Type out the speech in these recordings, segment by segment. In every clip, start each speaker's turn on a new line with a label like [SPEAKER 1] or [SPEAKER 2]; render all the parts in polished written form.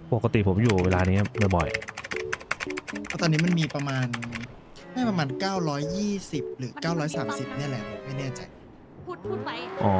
[SPEAKER 1] ปกติผมอยู่เวลานี้บ่อย
[SPEAKER 2] ตอนนี้มันมีประมาณไม่ประมาณ920หรือ930เนี่ยแหละผมไม่แน่ใจ
[SPEAKER 3] พูดไว้
[SPEAKER 1] ๆอ๋อ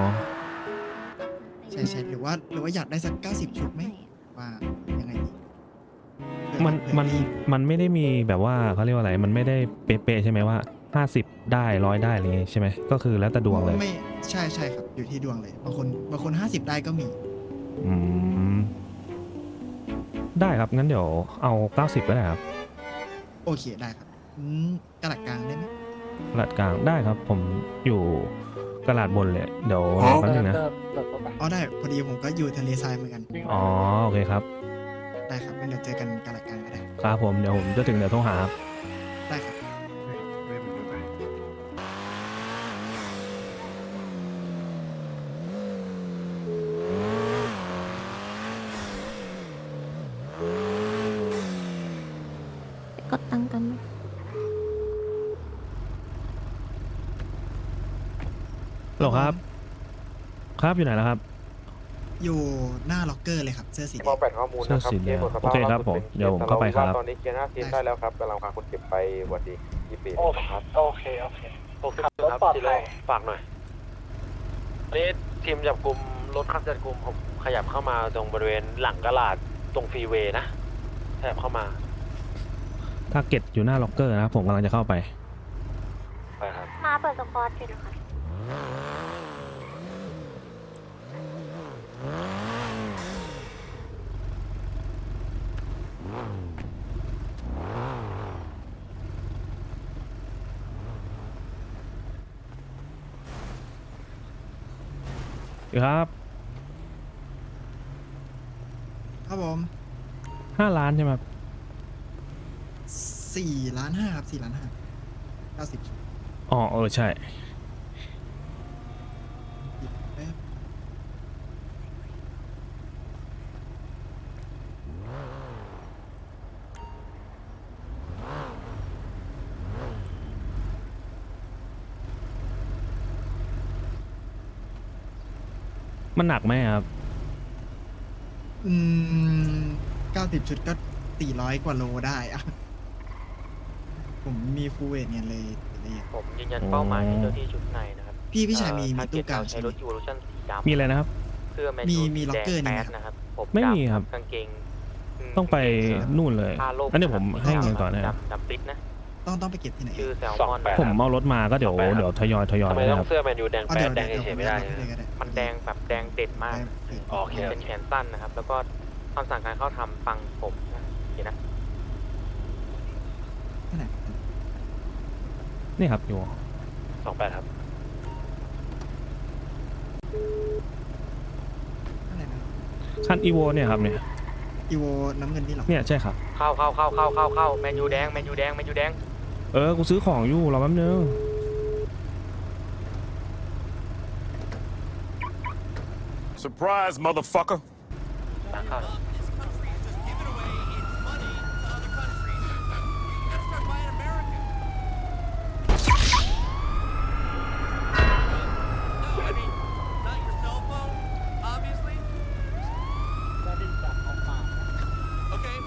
[SPEAKER 2] ใช่หรือว่าอยากได้สัก90ชุดไหมว่ายังไงดีเผื่อ
[SPEAKER 1] มัน
[SPEAKER 2] เผื่อ
[SPEAKER 1] มัน
[SPEAKER 2] รีบ
[SPEAKER 1] มันไม่ได้มีแบบว่าเขาเรียกว่าอะไรมันไม่ได้เป๊ะๆใช่ไหมว่า50ได้100ได้อะไรอย่างงี้ใช่ไหมก็คือแล้วแต่ดวงเลย
[SPEAKER 2] ไม่ใช่ครับอยู่ที่ดวงเลยบางคน50ได้ก็มี
[SPEAKER 1] อืมได้ครับงั้นเดี๋ยวเอา90ก็ได้ครับ
[SPEAKER 2] โอเคได้ครับกระดาษกลางได้ไหม
[SPEAKER 1] กระดาษกลางได้ครับผมอยู่กระดาษบนเลยเดี๋ยวรอแป๊บนึงนะ
[SPEAKER 2] อ๋อได้พอดีผมก็อยู่ทะเลทรายเหมือนกัน
[SPEAKER 1] อ๋อโอเคครับ
[SPEAKER 2] ได้ครับงั้นเดี๋ยวเจอกันกระดาษกลางก็ได้
[SPEAKER 1] ครับผมเดี๋ยวผมจะถึงเดี๋ยวโทรหาครับ
[SPEAKER 2] ได้ครับ
[SPEAKER 3] กดตังค์กัน
[SPEAKER 1] หรอครับ ครับอยู่ไหนแล้วครับ
[SPEAKER 2] อยู่หน้าล็อกเกอร์เลยครับเสื้อสีแด
[SPEAKER 4] มอง แปดข้อมูลนะครับ
[SPEAKER 1] เสื้อสีแดง
[SPEAKER 4] เคสหมดส
[SPEAKER 1] โอ
[SPEAKER 4] ภาพ
[SPEAKER 1] เคครับ
[SPEAKER 4] ล่าสุด
[SPEAKER 1] ผม
[SPEAKER 4] ป็น
[SPEAKER 1] เดี๋ยวผมเข้าไปครับ
[SPEAKER 4] ตอนนี้เคสหน้าเคสได้แล้วครับกำลังพาคนเจ็บไปวันดี24ครับ
[SPEAKER 5] โอเคครับที่เลยฝากหน่อยอันนี้ทีมจับกลุ่มรถขับจับกลุ่มผมขยับเข้ามาตรงบริเวณหลังกลาดตรงฟรีเวย์นะขยับเข้ามา
[SPEAKER 1] ทาร์เก็ตอยู่หน้าล็อกเกอร์นะครับผมกำลังจะเข้าไป
[SPEAKER 5] ไปครับ
[SPEAKER 3] มาเปิดสปอร์ตเลยนะคะ
[SPEAKER 1] ครับ
[SPEAKER 2] ครับผม
[SPEAKER 1] 5 ล้านใช่ไหมครับ
[SPEAKER 2] 4,500,000ครับ4,500,000 90ชุด
[SPEAKER 1] อ๋อใช่
[SPEAKER 2] แป๊บ
[SPEAKER 1] มันหนักไหมครับ
[SPEAKER 2] 90 ชุดก็400กว่าโลได้อะผมมีฟูลเวทเนี่ยเลยละเอียด
[SPEAKER 5] ผมยืนยันเป้าหมายให้เจ้าที่ชุดในนะครับ
[SPEAKER 2] พี่ชายมีตู้กลาง
[SPEAKER 5] ใช้
[SPEAKER 2] ใช่ไหม
[SPEAKER 5] รถยูโรชั่นสีดำ
[SPEAKER 1] มีอะไรนะครับ
[SPEAKER 5] เสื้อแมน
[SPEAKER 2] มี
[SPEAKER 5] ยู
[SPEAKER 2] มี
[SPEAKER 5] สี
[SPEAKER 2] ล็อ
[SPEAKER 5] แด
[SPEAKER 2] กเกอร์
[SPEAKER 5] ง
[SPEAKER 2] นี่
[SPEAKER 5] แป
[SPEAKER 2] ไหม
[SPEAKER 5] ดนะครับผม
[SPEAKER 1] ไม่มีครับ
[SPEAKER 5] กางเกง
[SPEAKER 1] ต้องไปนู่นเลย
[SPEAKER 5] ผ้าโลก
[SPEAKER 1] อันนี้ผมให้เงินก่อนนะครับ
[SPEAKER 5] ดำปิดนะ
[SPEAKER 2] ต้องไปเก็บที่ไหน
[SPEAKER 5] ชื่อแซลมอน
[SPEAKER 1] ผมเอารถมาก็เดี๋ยวทยอย
[SPEAKER 5] ทำไม
[SPEAKER 1] นะ
[SPEAKER 5] ต้อ
[SPEAKER 1] ครั
[SPEAKER 5] ง
[SPEAKER 1] บ
[SPEAKER 5] เสื้อแมนยูแดง
[SPEAKER 2] เอา
[SPEAKER 5] แป
[SPEAKER 2] เดี๋ย
[SPEAKER 5] ด
[SPEAKER 2] ว
[SPEAKER 5] แดงเฉยๆไม่ได้
[SPEAKER 2] เลยก็
[SPEAKER 5] มันแดงแบบแดงเด่นมาก
[SPEAKER 2] โอเค
[SPEAKER 5] เป็นแขนสั้นนะครับ แล้วก็คำสั่งการเข้าทำฟังผมนะโอเคนะ
[SPEAKER 2] ที่ไหน
[SPEAKER 1] นี่ครับอยู่
[SPEAKER 5] 28 ครับ
[SPEAKER 2] ที่ไหนนะ
[SPEAKER 1] คันอีโวเนี่ยครับเนี่ย
[SPEAKER 2] อีโวน้ำเงินนี่หรอ
[SPEAKER 1] เนี่ยใช่ครับ
[SPEAKER 5] เข้าแมนยูแดงแมนยูแดงแมนยูแดง
[SPEAKER 1] กูซื้อของอยู่รอแป๊บนึง
[SPEAKER 6] Surprise, motherfucker.
[SPEAKER 5] ตั้งเข้า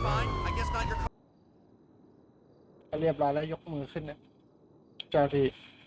[SPEAKER 7] เรียบร้อยแล้วยกมือขึ้นนะเจ้าที่